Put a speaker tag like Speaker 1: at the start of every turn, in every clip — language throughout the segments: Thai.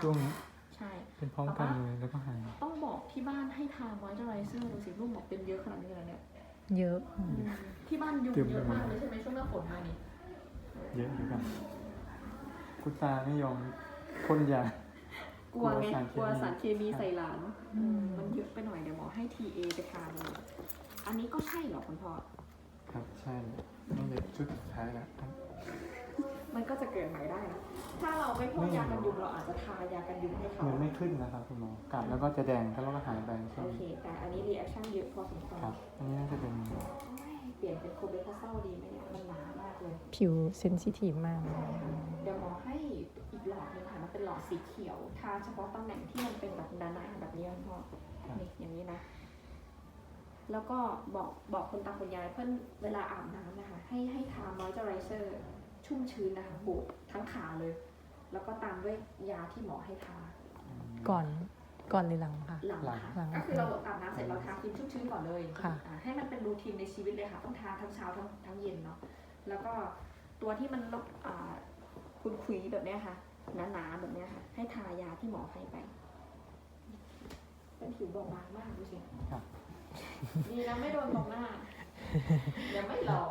Speaker 1: ช่วงนี้
Speaker 2: ใช่
Speaker 1: เป็นพร้อมกันเลยแล้วก็หาย
Speaker 2: ต้องบอกที่บ้านให้ทามอยเจอไรเซอร์ดูสิลูกบอกเป็นเยอะขนาดนี้เลยเนี่ย
Speaker 3: เยอะ
Speaker 2: ที่บ้านยุงเยอะมากเลยใช่ไหมช่วงหน้าฝนมานี่
Speaker 1: เยอะอยู่ครับคุณตาไม่ยอมพ่นยาก
Speaker 2: ลัวไงกลัวสารเคมีใส่หลานมันเยอะไปหน่อยเดี๋ยวหมอให้ TA ไปทานเลยอันนี้ก็ใช่เหรอคุณพ่อ
Speaker 1: ครับใช่นี่เลยชุดสุดท้ายแล้ว
Speaker 2: มันก็จะเกิดใหม่ได้นะถ้าเราไม่พ่นยากันยุงเราอาจจะทายากันยุงให้เขา
Speaker 1: มันไม่ขึ้นนะครับคุณหมอกัดแล้วก็จะแดงแล้วก็หายไป
Speaker 2: โอเคแต่อันนี้รีแอคชั่นเยอะพอสมควร
Speaker 1: ครับอันนี้น่าจะเป็น
Speaker 2: เปลี่ยนเป็นโคเบคาเซลดีไหมเนี่ยมันหนามากเลย
Speaker 3: ผิวเซนซิทีฟมาก
Speaker 2: เดี๋ยวหมอให้อีกหลอดนึงค่ะมันเป็นหลอดสีเขียวทาเฉพาะตำแหน่งที่มันเป็นแบบด้านหน้าแบบนี้พ่อนี่อย่างนี้นะแล้วก็บอกคนตาคนยายเพื่อนเวลาอาบน้ำนะคะให้ทามอยเจอไรเซอร์ชุ่มชื้นนะคะโบกทั้งขาเลยแล้วก็ตามด้วยยาที่หมอให้ทา
Speaker 3: ก่อนหรือหลังค่ะ
Speaker 2: หลังค่ะก็คือเราอาบน้ำเสร็จเราทาครีมชุ่มชื้นก่อนเลยให้มันเป็นรูทีนในชีวิตเลยค่ะต้องทาทั้งเช้าทั้งเย็นเนาะแล้วก็ตัวที่มันคุณคุยแบบนี้ค่ะหนาๆแบบนี้ค่ะให้ทายาที่หมอให้ไปเป็นผิวบอบบางมากดูสิดีนะไม่โดนตรงหน้ายังไม่หล่อ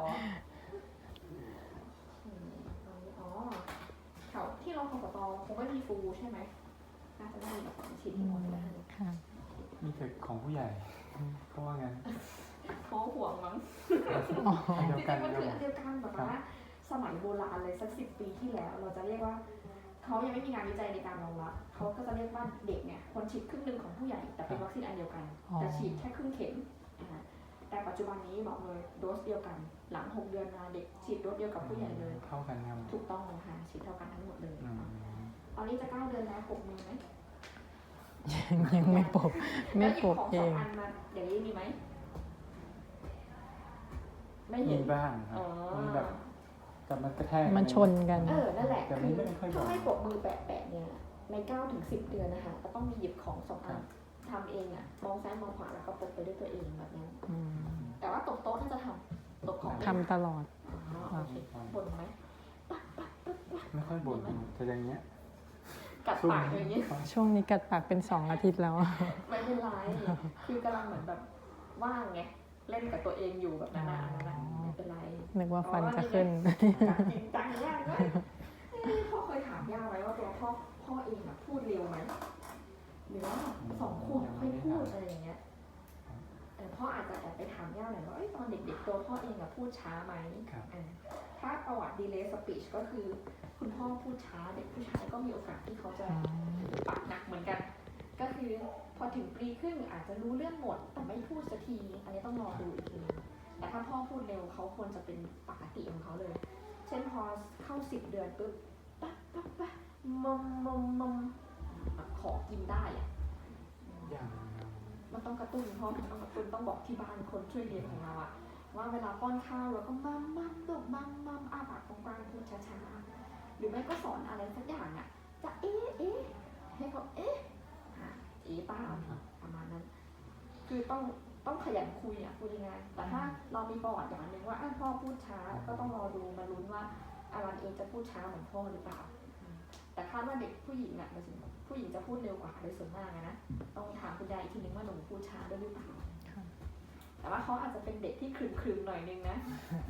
Speaker 2: อ๋อแถวที่เราคอปตคงไม่มีฟูใช่ไหมน่าจะไม่มีแบบฉีดที่หมดเลย
Speaker 3: ค่ะ
Speaker 1: มีแต่ของผู้ใหญ่เพราะว่างั้น
Speaker 2: เขาห่วงมั้งจริงๆมันคืออันเดียวกันแบบว่าสมัยโบราณเลยสัก10 ปีที่แล้วเราจะเรียกว่าเขายังไม่มีงานวิจัยในการรองรับเขาก็จะเรียกว่าเด็กเนี่ยควรฉีดครึ่งหนึ่งของผู้ใหญ่แต่เป็นวัคซีนอันเดียวกันแต่ฉีดแค่ครึ่งเข็มแต่ปัจจุบันนี้บอกเลยโดสเดียวกันหลัง6 เดือนมาเด็กฉีดโดสเดียวกับผู้ใหญ่เลย
Speaker 1: เท่ากันครับ
Speaker 2: ถูกต้องเลยค่ะฉีดเท่ากันทั้งหมดเลยตอนนี้จะ9 เดือนแล้วปกมือไหม
Speaker 3: ยังไม่ปก
Speaker 2: เองอันมาอย่างนี้มีไหมไม่เห็น
Speaker 1: มีบ้างครับมันแบบแต่มันกระแทก
Speaker 3: มันชนกัน
Speaker 2: นั่นแหละคือถ้าให้ปกมือแปะเนี่ยใน9 ถึง 10 เดือนนะคะก็ต้องมีหยิบของ2 อันทำเองมองซ้ายมองขวาแล้วก็ปกไปด้วยตัวเองแบบนั้นแต่ว่าตกโต๊ะน่าจะตกของ
Speaker 3: ทำตลอด
Speaker 2: บ่นไหม
Speaker 1: ไม่ค่อยบ่นแต่อย่างเงี้ย
Speaker 2: กัดปากอย่างเงี้ย
Speaker 3: ช่วงนี้กัดปากเป็น2 อาทิตย์แล้ว
Speaker 2: ไม่เป็นไรคือกำลังเหมือนแบบว่างไงเล่นกับตัวเองอยู่แบบนั้นไม่เป็นไร
Speaker 3: นึกว่าฟันจะขึ้น
Speaker 2: จริงจังยากเลยพ่อเคยถามย่าไว้ว่าตัวพ่อเองพูดเร็วไหมหรือว่า2 ขวบค่อยพูดอะไรอย่างเงี้ยพ่ออาจจะแอบไปถามย่าหน่อยว่าตอนเด็กๆตัวพ่อเองพูดช้าไหมถ้าประวัติ delay speech ก็คือคุณพ่อพูดช้าเด็กผู้ชายก็มีโอกาสที่เขาจะปากหนักเหมือนกันก็คือพอถึงปีครึ่งอาจจะรู้เรื่องหมดแต่ไม่พูดสักทีอันนี้ต้องรอดูอีกทีแต่ถ้าพ่อพูดเร็วเขาควรจะเป็นปกติของเขาเลยเช่นพอเข้า10 เดือนปุ๊บปั๊บมขอกินได้มันต้องกระตุ้นพ่อต้องกระตุ้นต้องบอกที่บ้านคนช่วยเลี้ยงของเราว่าเวลาป้อนข้าวเราก็มัมดุมัมอ้าปากกว้างๆพูดช้าๆหรือไม่ก็สอนอะไรสักอย่างจะเอ๊ะให้เขาเอ๊ะป้าประมาณนั้นคือต้องขยันคุยพูดยังไงแต่ถ้าเรามีประวัติอย่างนึงว่าพ่อพูดช้าก็ต้องรอดูมาลุ้นว่าอารันเองจะพูดช้าเหมือนพ่อหรือเปล่าแต่คาดว่าเด็กผู้หญิงผู้หญิงจะพูดเร็วกว่าโดยส่วนมากนะต้องถามคุณยายอีกทีนึงว่าหนูพูดช้าด้วยหรือเปล่าแต่ว่าเขาอาจจะเป็นเด็กที่ครึมๆหน่อยนึงนะ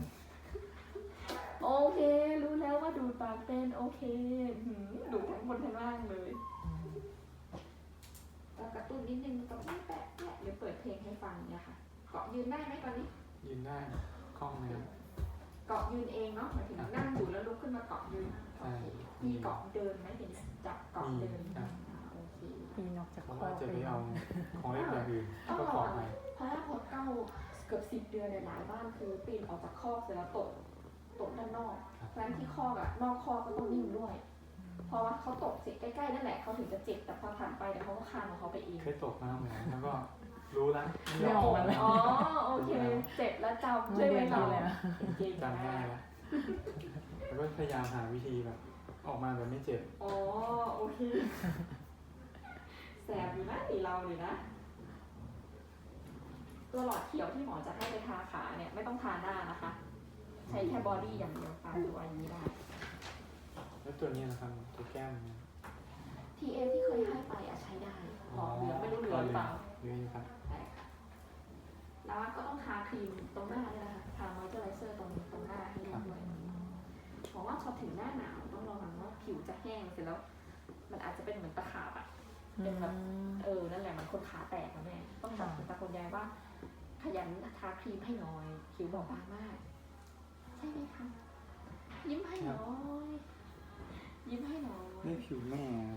Speaker 2: โอเครู้แล้วว่าดูปากเป็นโอเคดูทั้งบนทั้งล่างเลยกระตุ้นนิดนึงกับแปะหรือเปิดเพลงให้ฟังเนี่ยค่ะเกาะยืนได้ไหมตอนนี้
Speaker 1: ยืนได้คล่องเลย
Speaker 2: เกาะยืนเองเนาะหมายถึงนั่งอยู่แล้วลุกขึ้นมาเกาะยืนมีเกาะเดินไหมเห็นจับเกาะเดินโอเค
Speaker 3: ปีนอกจาก
Speaker 1: ข้อจะไปเอาของเล่นอย่างอื่นก็ขอไป
Speaker 2: เพราะว่าพอเกือบ10 เดือนในหลายบ้านคือปีนออกจากคอกเสร็จแล้วตกด้านนอกเพราะฉะนั้นที่คอกนอกคอกก็ต้องนิ่งด้วยเพราะว่าเขาตกเสร็จใกล้ๆนั่นแหละเขาถึงจะเจ็บแต่พอผ่านไปเดี๋ยวเขาก็คานของเขาไปเอง
Speaker 1: เคยตกมาเหมือนแล้วก็รู้แล้ว
Speaker 3: ไม่ออกมาเลย
Speaker 2: โอเคเจ็บแล้วจำใช่ไหมเรา
Speaker 1: จำได้แล้วแล้วก็พยายามหาวิธีแบบออกมาแบบไม่เจ็บ
Speaker 2: โอเคแสบอยู่นะเราเลยนะตัวหลอดเขียวที่หมอจะให้ไปทาขาเนี่ยไม่ต้องทาหน้านะคะใช้แค่บอดี้อย่างเดียวทาตัวอย่างนี้ได้
Speaker 1: แล้วตัวนี้นะครับตัวแก้ม
Speaker 2: ท TA ที่เคยให้ไปอะใช้ได้หลอดเหลืองไม่รู้เหลืองหรือเปล่า
Speaker 1: เหลืองครับ
Speaker 2: ใช่ค่ะแล้วก็ต้องทาครีมตรงหน้าด้วยนะคะทามอยเจอไรเซอร์ตรงหน้าให้ด้วยบอกว่าพอถึงหน้าหนาวต้องระวังว่าผิวจะแห้งเสร็จแล้ว มันอาจจะเป็นเหมือนตะขาบอะเป็นแบบนั่นแหละมันคนขาแตกนะแม่ต้องบอกคุณตาคุณยายว่าขยันทาครีมให้น้อยผิวบอบบางมาก ใช่ไหมคะยิ้มให้น้อยยิ้มให้น้อย
Speaker 1: นี่ผิวแม่ครับ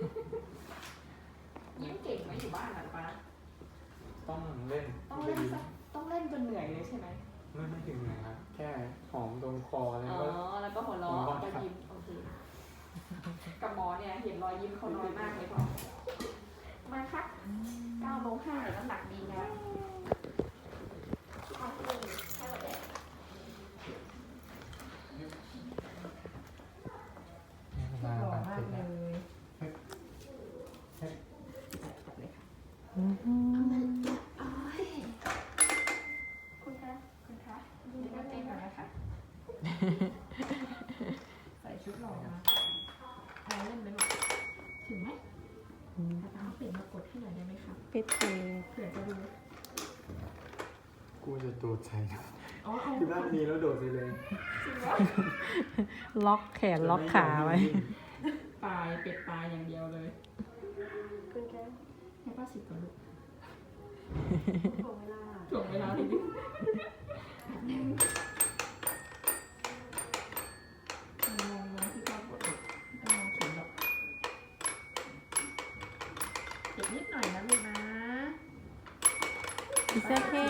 Speaker 2: ยิ้มเก่งไหมอยู่บ้านหรือเปล่า
Speaker 1: ต้องเล่น
Speaker 2: ต้องเล่นสักต้องเล่นจนเหนื่อยเลยใช่ไหม
Speaker 1: ไม่ถึงไหนครับ แค่หอมตรงคอแล้ว
Speaker 2: อ๋อ
Speaker 1: ก็
Speaker 2: แล้วก็หัวเราะก็ยิ้มโอเคกับหมอเนี่ยเห็นรอยยิ้มเขาน้อยมากเลยพ่อมาค่ะ9 โล 5เลยน้ำหนักดีนะทำเองให้เราแดก
Speaker 1: หล่อมากเลย
Speaker 2: คุณคะคุณคะดูหน้าเต้นก่อนนะคะ ใส่ชุดหล่อมาแพ้เล่นไหมลูกถึงไหมเอาเปลี่ยนมากดให้หน่อยได้ไหมคะ
Speaker 3: ปิดเอง
Speaker 2: เผื่อจะดู
Speaker 1: กูจะโดดใส่นะ
Speaker 2: อ๋อเอา
Speaker 1: คือด้านนี้แล้วโดดไปเลย
Speaker 2: จริงวะ
Speaker 3: ล็อกแขนล็อกขาไว้
Speaker 2: ปลายเป็ดปลายอย่างเดียวเลยคุณแค่ให้ป้าสิบก่อนลูกถ่วงเวลาทีนี้มันงงนะที่ป้ากดลูกไม่ต้องมองเขียนหรอกเก็บนิดหน่อยนะลูกนะ
Speaker 3: It's okay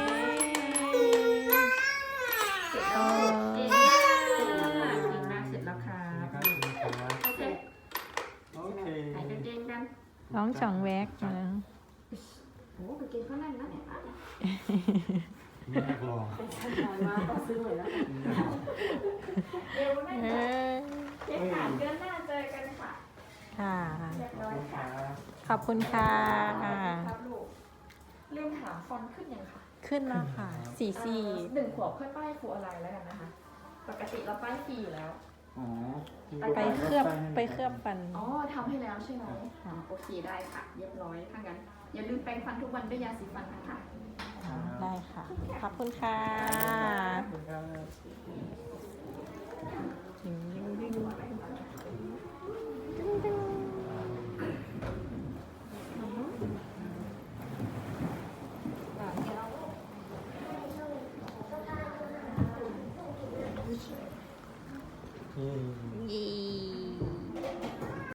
Speaker 2: เสร็จแล้วเก่งมากเก่งมากเสร็จแล้วค่ะ
Speaker 1: ครับ
Speaker 2: โอเค
Speaker 1: โอเค
Speaker 2: ใส่กางเกงกัน
Speaker 3: ร้องจ่องแวกนะ
Speaker 2: โอ้กางเกงเขาแน่นนะเนี่ย
Speaker 1: ไม่อยากลอง
Speaker 2: เป็นชั้นนอนมากต้องซื้อเลยแล้วเอวแน่น
Speaker 3: เอ
Speaker 2: จ้ะ
Speaker 3: อ
Speaker 2: เช็คผ่านเดือนหน้าเจอกันค่ะ
Speaker 3: ค่ะ
Speaker 2: เรียบ
Speaker 1: ขอบ
Speaker 2: ร้อย
Speaker 1: คุณค
Speaker 2: ค่ะ
Speaker 1: รับ
Speaker 3: ขอบคุณค่ะ
Speaker 2: ครับลูกลืมถามฟอนต์ขึ้นยังค่ะ
Speaker 3: ขึ้นแล้วค่ะ44
Speaker 2: 1 ขวบค่อยป้ายครูอะไรแล้วกันนะคะ ปกติเราป้ายฟรีอยู่แล้ว
Speaker 1: อ๋อ
Speaker 3: ไปเคลือบฟัน
Speaker 2: อ๋อทำให้แล้วใช่ไหม
Speaker 3: ค่ะ
Speaker 2: โอเคได้ค่ะ เรียบร้อยถ้างั้น อย่าลืมแปรงฟันทุกวันด้วยยาสีฟันนะคะ
Speaker 3: ได้ค่ะ ขอบคุณค่ะ
Speaker 1: ขอบคุณครับ
Speaker 3: ดึงดึงดึง